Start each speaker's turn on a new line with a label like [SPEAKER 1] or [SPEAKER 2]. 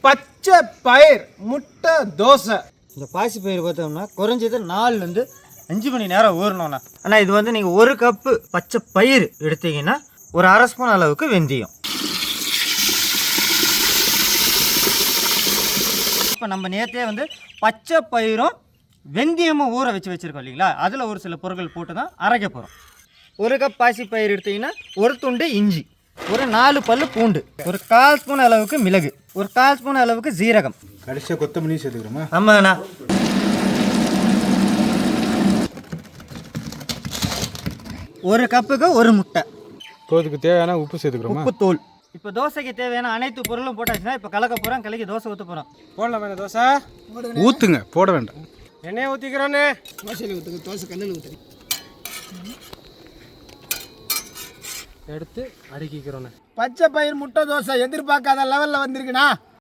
[SPEAKER 1] பச்சை பயிர் முட்டை தோசை.
[SPEAKER 2] இந்த பாசி பயிர் பார்த்தோம்னா குறைஞ்சது 4லேருந்து 5 மணி நேரம் ஊறணும்ண்ணா. ஆனால் இது வந்து நீங்கள் 1 கப்பு பச்சை பயிர் எடுத்தீங்கன்னா ஒரு 1/2 ஸ்பூன் அளவுக்கு வெந்தயம். இப்போ நம்ம நேற்றே வந்து பச்சை பயிரும் வெந்தயமும் ஊற வச்சுருக்கோம் இல்லைங்களா, அதில் ஒரு சில பொருட்கள் போட்டு தான் அரைக்க போகிறோம். 1 கப் பாசி பயிர் எடுத்தீங்கன்னா ஒரு துண்டு இஞ்சி, ஒரு 4 பல்லு பூண்டு, ஒரு 1/4 ஸ்பூன் அளவுக்கு மிளகு, ஒரு 1/4 ஸ்பூன் அளவுக்கு ஜீரகம்,
[SPEAKER 3] கடைசியாக கொத்தமல்லி சேர்த்துக்கிறோமா?
[SPEAKER 2] ஆமாங்கண்ணா. 1 கப்புக்கு 1 முட்டை.
[SPEAKER 3] அதுக்கு தேவையான உப்பு சேர்த்துக்கிறோமா?
[SPEAKER 2] உப்பு தூள். இப்போ தோசைக்கு தேவையான அனைத்து பொருளும் போட்டாச்சுன்னா இப்போ கலக்க போகிறோம். கலக்கி தோசை ஊற்ற போகிறோம்.
[SPEAKER 1] போடலாம் வேணா தோசை
[SPEAKER 3] ஊற்றுங்க, போட வேண்டாம்.
[SPEAKER 1] எண்ணெயை ஊற்றிக்கிறோன்னு.
[SPEAKER 4] தோசையில் ஊற்றுங்க, தோசை கல்லில் ஊற்றுங்க.
[SPEAKER 1] எடுத்து அடுக்கிக்கிறோன்னு.
[SPEAKER 4] பச்சை பயிர் முட்டை தோசை எதிர்பார்க்காத லெவலில் வந்திருக்குண்ணா.